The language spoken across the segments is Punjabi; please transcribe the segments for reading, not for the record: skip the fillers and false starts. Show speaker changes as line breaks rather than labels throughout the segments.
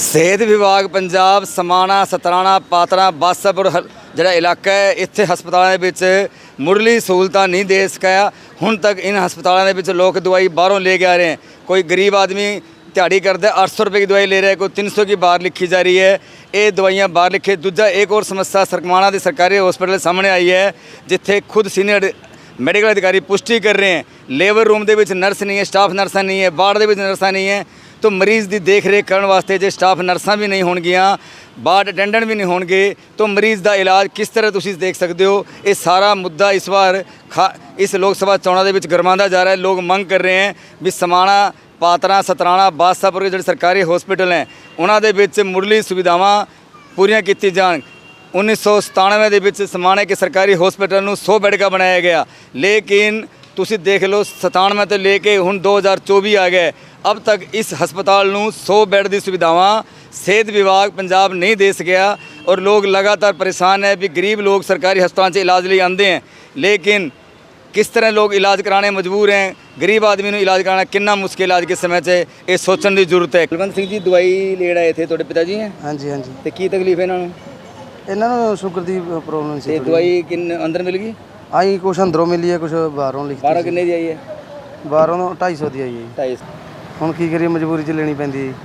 ਸਿਹਤ ਵਿਭਾਗ ਪੰਜਾਬ ਸਮਾਣਾ ਸਤਰਾਣਾ ਪਾਤੜਾ ਬਾਸਾਪੁਰ ਜਿਹੜਾ ਇਲਾਕਾ ਹੈ ਇੱਥੇ ਹਸਪਤਾਲਾਂ ਦੇ ਵਿੱਚ ਮੁੱਢਲੀ ਸਹੂਲਤਾਂ ਨਹੀਂ ਦੇ ਸਕਿਆ। ਹੁਣ ਤੱਕ ਇਹਨਾਂ ਹਸਪਤਾਲਾਂ ਦੇ ਵਿੱਚ ਲੋਕ ਦਵਾਈ ਬਾਹਰੋਂ ले के आ रहे हैं। कोई गरीब आदमी दिहाड़ी करता है 800 रुपये की दवाई ले रहा है, कोई 300 की बाहर लिखी जा रही है। ये दवाइयाँ बाहर लिखे। दूजा एक और समस्या सरकमाना के सरकारी हॉस्पिटल सामने आई है जिथे खुद सीनियर मैडिकल अधिकारी पुष्टि कर रहे हैं लेबर रूम के नर्स नहीं है, स्टाफ नर्सा नहीं है, वार्ड के नर्सा नहीं है। तो मरीज़ की देख रेख करने वास्ते जो स्टाफ नर्सा भी नहीं होणगियां, वार्ड अटेंडेंट भी नहीं होणगे, तो मरीज़ का इलाज किस तरह तुसीं देख सकते हो। ये सारा मुद्दा इस बार इस लोक सभा चोणां दे विच गरमांदा जा रहा है। लोग मंग कर रहे हैं भी समाणा पातड़ा सतराणा बादशाहपुर के जो सरकारी हॉस्पिटल हैं उन्होंने विच मुढ़ली सुविधावां पूरियां कीती जाण। 1997 ਦੇ ਵਿੱਚ समाणे के सरकारी हॉस्पिटल ਨੂੰ 100 बेड का बनाया गया, लेकिन तुसी देख लो 97 तो लेके हुण 2024 आ गए, अब तक इस हस्पताल ਨੂੰ 100 बेड की सुविधावां सेहत विभाग पंजाब नहीं दे सकिया। और लोग लगातार परेशान है भी गरीब लोग सरकारी हस्पताल से इलाज लिए आते हैं, लेकिन किस तरह लोग इलाज कराने मजबूर हैं। गरीब आदमी ਨੂੰ इलाज कराना कितना मुश्किल आज के समय से ये सोचने की जरूरत है। कुलवंत सिंह जी दवाई ले आए थे, ਤੁਹਾਡੇ पिता जी हैं?
हाँ जी हाँ जी।
तो की तकलीफ है इन्होंने?
ਇਹਨਾਂ ਨੂੰ ਸ਼ੂਗਰ ਦੀ ਪ੍ਰੋਬਲਮ ਸੀ।
ਤੇ ਦਵਾਈ ਕਿੰਨੇ ਅੰਦਰ ਮਿਲ ਗਈ?
ਆਈ ਕੁਛ ਅੰਦਰੋਂ ਮਿਲੀ ਹੈ, ਕੁਛ ਬਾਹਰੋਂ ਲਿਖੀ।
ਬਾਹਰੋਂ ਕਿੰਨੇ ਦੀ ਆਈ ਹੈ?
ਬਾਹਰੋਂ 250 ਦੀ ਆਈ ਹੈ।
250।
ਹੁਣ ਕੀ ਕਰੀਏ, ਮਜਬੂਰੀ 'ਚ ਲੈਣੀ ਪੈਂਦੀ ਹੈ।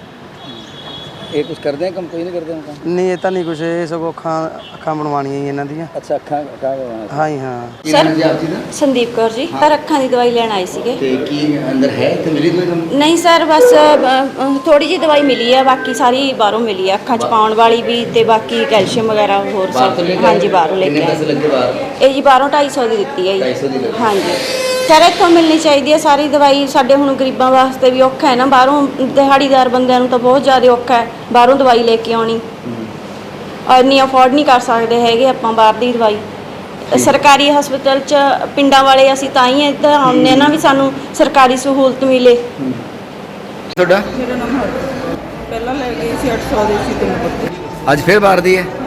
ਇਹ ਕੁਝ ਕਰਦੇ ਆ ਕੰਮ, ਕੋਈ ਨਹੀਂ ਕਰਦੇ ਹੁਣ ਕੰਮ?
ਨਹੀਂ ਇਹ ਤਾਂ ਨਹੀਂ ਕੁਛ, ਇਹ ਸਗੋਂ ਅੱਖਾਂ ਬਣਵਾਉਣੀਆਂ ਹੀ ਇਹਨਾਂ ਦੀਆਂ।
ਅੱਛਾ ਅੱਖਾਂ ਬਣਵਾਉਣਾ?
ਹਾਂ ਜੀ ਹਾਂ।
ਸਰ ਸੰਦੀਪ ਕੌਰ ਜੀ, ਪਰ ਅੱਖਾਂ ਦੀ ਦਵਾਈ ਲੈਣ ਆਏ ਸੀਗੇ।
ਤੇ ਕੀ ਅੰਦਰ ਹੈ ਤੇ ਮਿਲੀ ਦਵਾਈ ਤੁਹਾਨੂੰ?
ਨਹੀਂ ਸਰ, ਬਸ ਥੋੜੀ ਜਿਹੀ ਦਵਾਈ ਮਿਲੀ ਹੈ, ਬਾਕੀ ਸਾਰੀ ਬਾਹਰੋਂ ਮਿਲੀ ਹੈ, ਅੱਖਾਂ 'ਚ ਪਾਉਣ ਵਾਲੀ ਵੀ ਤੇ ਬਾਕੀ ਕੈਲਸ਼ੀਅਮ ਵਗੈਰਾ ਹੋਰ ਸਭ। ਹਾਂਜੀ ਬਾਹਰੋਂ ਲੈ ਕੇ ਆਏ।
ਪੈਸੇ ਲੱਗੇ ਬਾਹਰ?
ਇਹ ਜੀ ਬਾਹਰੋਂ 250 ਦੀ ਦਿੱਤੀ ਹੈ ਜੀ।
250 ਦੀ ਲੱਗੀ।
ਹਾਂਜੀ ਸਰ, ਇੱਥੋਂ ਮਿਲਣੀ ਚਾਹੀਦੀ ਹੈ ਸਾਰੀ ਦਵਾਈ। ਸਾਡੇ ਹੁਣ ਗਰੀਬਾਂ ਵਾਸਤੇ ਵੀ ਔਖਾ ਹੈ ਨਾ, ਬਾਹਰੋਂ ਦਿਹਾੜੀਦਾਰ ਬੰਦਿਆਂ ਨੂੰ ਤਾਂ ਬਹੁਤ ਜ਼ਿਆਦਾ ਔਖਾ ਹੈ ਬਾਹਰੋਂ ਦਵਾਈ ਲੈ ਕੇ ਆਉਣੀ। ਇੰਨੀ ਅਫੋਰਡ ਨਹੀਂ ਕਰ ਸਕਦੇ ਹੈਗੇ ਆਪਾਂ ਬਾਹਰ ਦੀ ਦਵਾਈ। ਸਰਕਾਰੀ ਹਸਪਤਾਲ 'ਚ ਪਿੰਡਾਂ ਵਾਲੇ ਅਸੀਂ ਤਾਂ ਹੀ ਇੱਧਰ ਆਉਂਦੇ ਹਾਂ ਨਾ ਵੀ ਸਾਨੂੰ ਸਰਕਾਰੀ ਸਹੂਲਤ ਮਿਲੇ।
ਤੁਹਾਡਾ?
ਮੇਰਾ ਨਾਮ ਹਰਪ੍ਰੀਤ। ਪਹਿਲਾਂ ਲੈ ਗਈ ਸੀ 800 ਦੀ ਸੀ 3 ਪੱਤੇ।
ਅੱਜ ਫਿਰ ਬਾਹਰ ਦੀ ਹੈ?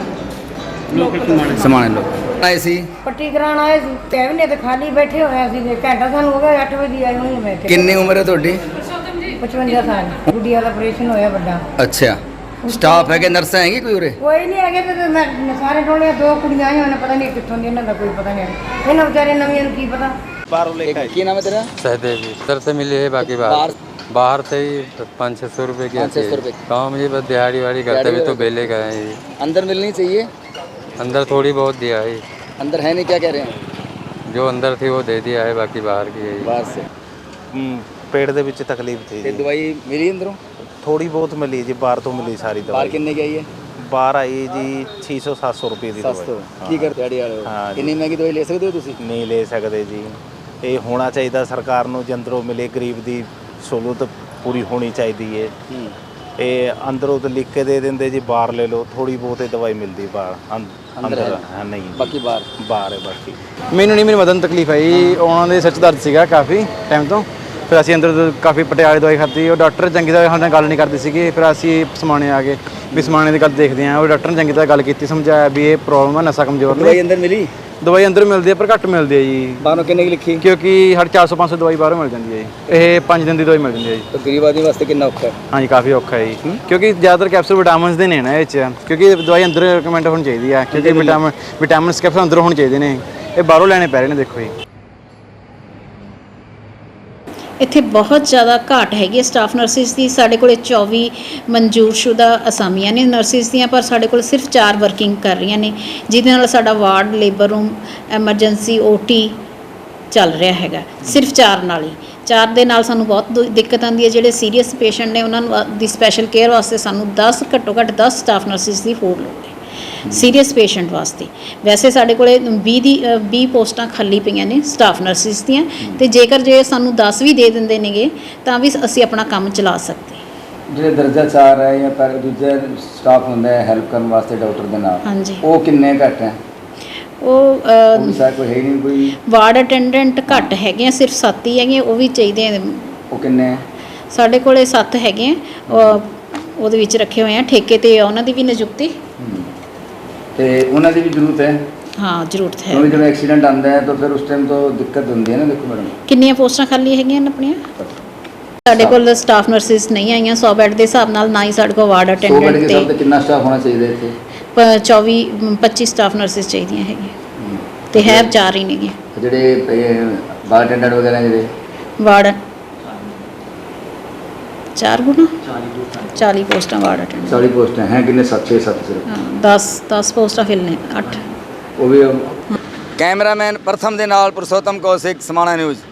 ਸਮਾਣੇ ਲੋਕ ਆਏ ਸੀ
ਪੱਟੀ ਕਰਾਉਣ ਆਏ ਸੀ। ਕੈਬਿਨੇਟ ਤੇ ਖਾਲੀ ਬੈਠੇ ਹੋਏ ਸੀ, ਘੰਟਾ ਸਾਨੂੰ ਹੋ ਗਿਆ 8 ਵਜੇ ਆਏ ਹੋਏ ਬੈਠੇ।
ਕਿੰਨੀ ਉਮਰ ਹੈ ਤੁਹਾਡੀ?
55 ਸਾਲ। ਗੁੱਡੀਆ ਦਾ ਆਪਰੇਸ਼ਨ ਹੋਇਆ ਵੱਡਾ।
ਅੱਛਾ, ਸਟਾਫ ਹੈ ਕਿ ਨਰਸਾਂ ਹੈਗੀ ਕੋਈ ਉਰੇ?
ਕੋਈ ਨਹੀਂ ਹੈਗੇ ਤੇ ਮੈਂ ਸਾਰੇ ਟੋਲੇ 2 ਕੁੜੀਆਂ ਆਈਆਂ ਨੇ, ਪਤਾ ਨਹੀਂ ਕਿੱਥੋਂ ਦੀ, ਇਹਨਾਂ ਦਾ ਕੋਈ ਪਤਾ ਨਹੀਂ। ਇਹਨਾਂ ਵਿਚਾਰੇ ਨਵੀਆਂ ਨੂੰ ਕੀ ਪਤਾ।
ਬਾਹਰੋਂ ਲੈ ਕੇ ਕੀ ਨਾਮ ਹੈ ਤੇਰਾ?
सहदेव जी इधर से मिली है, बाकी बाहर से ही 500-600 रुपये की आती
500
है।
रुपये।
गाँव में ये बस दिहाड़ी वाड़ी करते हुए तो बेले का है ये।
अंदर मिलनी चाहिए।
अंदर थोड़ी बहुत दिया है,
अंदर है नहीं, क्या कह रहे हैं?
जो अंदर थी वो दे दिया है, बाकी बाहर की है।
बाहर से
पेट ਦੇ ਵਿੱਚ ਤਕਲੀਫ ਸੀ
ਤੇ ਦਵਾਈ ਮਿਲੀ ਅੰਦਰੋਂ?
ਥੋੜੀ ਬਹੁਤ ਮਿਲੀ ਜੀ, ਬਾਹਰ ਤੋਂ ਮਿਲੀ ਸਾਰੀ
ਬਾਹਰ
ਦਵਾਈ।
ਕਿੰਨੇ ਕੀ ਆਈ ਹੈ?
ਬਾਹਰ ਆਈ ਜੀ 600-700 ਰੁਪਏ ਦੀ ਦਵਾਈ।
700। ਕੀ ਕਰਦੇ ਦਿਹਾੜੀ ਵਾਲੇ ਹੋ?
ਹਾਂ ਜੀ।
ਇੰਨੀ ਮਹਿੰਗੀ ਦਵਾਈ ਲੈ ਸਕਦੇ ਹੋ ਤੁਸੀਂ?
ਨਹੀਂ ਲੈ ਸਕਦੇ ਜੀ। ਇਹ ਹੋਣਾ ਚਾਹੀਦਾ ਸਰਕਾਰ ਨੂੰ, ਜੰਦਰੋਂ ਮਿਲੇ ਗਰੀਬ ਦੀ ਸਹੂਲਤ ਪੂਰੀ ਹੋਣੀ ਚਾਹੀਦੀ ਹੈ। ਇਹ ਅੰਦਰੋਂ ਤਾਂ ਲਿਖ ਕੇ ਦੇ ਦਿੰਦੇ ਜੀ, ਬਾਹਰ ਲੈ ਲਓ। ਥੋੜੀ ਬਹੁਤ ਦਵਾਈ ਮਿਲਦੀ ਬਾਹਰ, ਅੰਦਰ ਨਹੀਂ।
ਬਾਕੀ
ਬਾਹਰ ਹੈ ਬਾਕੀ।
ਮੈਨੂੰ ਨਹੀਂ, ਮੇਰੀ ਮਦਦ ਨੂੰ ਤਕਲੀਫ ਆਈ। ਉਹਨਾਂ ਦੇ ਸੱਚ ਦਰਦ ਸੀਗਾ ਕਾਫੀ ਟਾਈਮ ਤੋਂ। ਫਿਰ ਅਸੀਂ ਅੰਦਰ ਕਾਫੀ ਪਟਿਆਲੇ ਦਵਾਈ ਖਾਧੀ। ਉਹ ਡਾਕਟਰ ਚੰਗੀ ਤਰ੍ਹਾਂ ਸਾਡੇ ਨਾਲ ਗੱਲ ਨਹੀਂ ਕਰਦੇ ਸੀਗੇ। ਫਿਰ ਅਸੀਂ ਸਮਾਣੇ ਆ ਗਏ ਵੀ ਸਮਾਣੇ ਦੀ ਗੱਲ ਦੇਖਦੇ ਹਾਂ। ਉਹ ਡਾਕਟਰ ਨੇ ਚੰਗੀ ਤਰ੍ਹਾਂ ਗੱਲ ਕੀਤੀ, ਸਮਝਾਇਆ ਵੀ ਇਹ ਪ੍ਰੋਬਲਮ ਹੈ, ਨਸ਼ਾ ਕਮਜ਼ੋਰ ਨੇ।
ਦਵਾਈ ਅੰਦਰ ਮਿਲੀ?
ਦਵਾਈ ਅੰਦਰ ਮਿਲਦੀ ਹੈ ਪਰ ਘੱਟ ਮਿਲਦੀ ਹੈ ਜੀ।
ਬਾਹਰੋਂ ਕਿੰਨੇ ਕੀ ਲਿਖੀ?
ਕਿਉਂਕਿ ਸਾਡੇ 400-500 ਦਵਾਈ ਬਾਹਰੋਂ ਮਿਲ ਜਾਂਦੀ ਹੈ ਜੀ। ਇਹ 5 ਦਿਨ ਦੀ ਦਵਾਈ ਮਿਲ ਜਾਂਦੀ ਹੈ ਜੀ।
ਤਾਂ ਗਰੀਬ ਆਦਮੀ ਵਾਸਤੇ ਕਿੰਨਾ ਔਖਾ ਹੈ? ਹਾਂਜੀ
ਕਾਫੀ ਔਖਾ ਹੈ ਜੀ, ਕਿਉਂਕਿ ਜ਼ਿਆਦਾਤਰ ਕੈਪਸੂਲ ਵਿਟਾਮਿਨਸ ਦੇ ਨੇ ਨਾ ਇਹ 'ਚ। ਕਿਉਂਕਿ ਦਵਾਈ ਅੰਦਰ ਰਿਕਮੈਂਡ ਹੋਣੀ ਚਾਹੀਦੀ ਆ, ਕਿਉਂਕਿ ਵਿਟਾਮਿਨਸ ਕੈਪਸੂਲ ਅੰਦਰੋਂ ਹੋਣੇ ਚਾਹੀਦੇ ਨੇ। ਇਹ ਬਾਹਰੋਂ ਲੈਣੇ ਪੈ ਰਹੇ ਨੇ। ਦੇਖੋ ਜੀ
ਇੱਥੇ ਬਹੁਤ ਜ਼ਿਆਦਾ ਘਾਟ ਹੈਗੀ ਹੈ ਸਟਾਫ ਨਰਸਿਸ ਦੀ। ਸਾਡੇ ਕੋਲ 24 ਮਨਜ਼ੂਰਸ਼ੁਦਾ ਅਸਾਮੀਆਂ ਨੇ ਨਰਸਿਸ ਦੀਆਂ, ਪਰ ਸਾਡੇ ਕੋਲ ਸਿਰਫ 4 ਵਰਕਿੰਗ ਕਰ ਰਹੀਆਂ ਨੇ, ਜਿਹਦੇ ਨਾਲ ਸਾਡਾ ward, labour room, emergency, OT ਚੱਲ ਰਿਹਾ ਹੈਗਾ। ਸਿਰਫ 4 ਨਾਲ ਹੀ। 4 ਦੇ ਨਾਲ ਸਾਨੂੰ ਬਹੁਤ ਦਿੱਕਤ ਆਉਂਦੀ ਹੈ। ਜਿਹੜੇ ਸੀਰੀਅਸ ਪੇਸ਼ੈਂਟ ਨੇ ਉਹਨਾਂ ਨੂੰ ਦੀ ਸਪੈਸ਼ਲ ਕੇਅਰ ਵਾਸਤੇ ਸਾਨੂੰ 10 ਘੱਟੋ ਘੱਟ 10 ਸਟਾਫ ਨਰਸਿਸ ਦੀ ਹੋਰ ਲੋੜ ਹੈ ਸੀਰੀਅਸ ਪੇਸ਼ੈਂਟ ਵਾਸਤੇ। ਵੈਸੇ ਸਾਡੇ ਕੋਲੇ 20 ਪੋਸਟਾਂ ਖਾਲੀ ਪਈਆਂ ਨੇ ਸਟਾਫ ਨਰਸਿਸ ਦੀਆਂ, ਤੇ ਜੇਕਰ ਜੇ ਸਾਨੂੰ 10 ਵੀ ਦੇ ਦਿੰਦੇ ਨੇਗੇ ਤਾਂ ਵੀ ਅਸੀਂ ਆਪਣਾ ਕੰਮ ਚਲਾ ਸਕਦੇ।
ਜਿਹੜੇ ਦਰਜਾ 4 ਹੈ ਜਾਂ ਪਰ ਦੂਜਾ ਸਟਾਫ ਹੁੰਦਾ ਹੈ ਹੈਲਪ ਕਰਨ ਵਾਸਤੇ ਡਾਕਟਰ ਦੇ ਨਾਲ,
ਹਾਂਜੀ,
ਉਹ ਕਿੰਨੇ ਘੱਟ ਹੈ?
ਉਹ
ਸਰ ਕੋਈ ਹੈ ਨਹੀਂ ਕੋਈ?
ਵਾਰਡ ਅਟੈਂਡੈਂਟ ਘੱਟ ਹੈਗੇ ਆ, ਸਿਰਫ 7 ਹੀ ਹੈਗੇ, ਉਹ ਵੀ ਚਾਹੀਦੇ ਆ।
ਉਹ ਕਿੰਨੇ? ਸਾਡੇ
ਕੋਲੇ 7 ਹੈਗੇ ਆ, ਉਹਦੇ ਵਿੱਚ ਰੱਖੇ ਹੋਏ ਆ ਠੇਕੇ ਤੇ, ਉਹਨਾਂ ਦੀ ਵੀ ਨਿਯੁਕਤੀ
ਤੇ ਉਹਨਾਂ ਦੀ ਵੀ ਜ਼ਰੂਰਤ ਹੈ।
हाँ जरूरत है।
जब एक्सीडेंट आता है तो फिर उस टाइम तो दिक्कत होती है ना। देखो मैडम
कितनी पोस्टां खाली है अपनिया? ਸਾਡੇ ਕੋਲ ਸਟਾਫ ਨਰਸਿਸ ਨਹੀਂ ਆਈਆਂ 100 ਬੈੱਡ ਦੇ ਹਿਸਾਬ ਨਾਲ, ਨਾ ਹੀ ਸਾਡੇ ਕੋਲ ਵਾਰਡ
100 ਬੈੱਡ
ਅਟੈਂਡੈਂਟ
ਦੇ ਹਿਸਾਬ ਤੇ ਕਿੰਨਾ ਸਟਾਫ ਹੋਣਾ ਚਾਹੀਦਾ ਇੱਥੇ?
25 ਸਟਾਫ ਨਰਸਿਸ ਚਾਹੀਦੀਆਂ ਹੈਗੀਆਂ ਤੇ ਹੈ 4 ਹੀ ਨੇਗੀਆਂ।
ਜਿਹੜੇ ਬਾਰ ਅਟੈਂਡੈਂਟ ਵਗੈਰਾ ਜਿਹੜੇ
ਵਾਰਡ 4 ਗੁਣਾ 40 ਪੋਸਟਾਂ ਵਾਰਡ ਅਟੈਂਡੈਂਟ।
40 ਪੋਸਟਾਂ ਹੈ ਕਿੰਨੇ? 7 ਸਿਰਫ।
ਹਾਂ 10 ਪੋਸਟਾਂ ਫਿਲ ਨੇ 8।
ਉਹ ਵੀ ਕੈਮਰਾਮੈਨ ਪ੍ਰਥਮ ਦੇ ਨਾਲ ਪੁਰਸ਼ੋਤਮ ਕੌਸ਼ਿਕ, ਸਮਾਣਾ ਨਿਊਜ਼।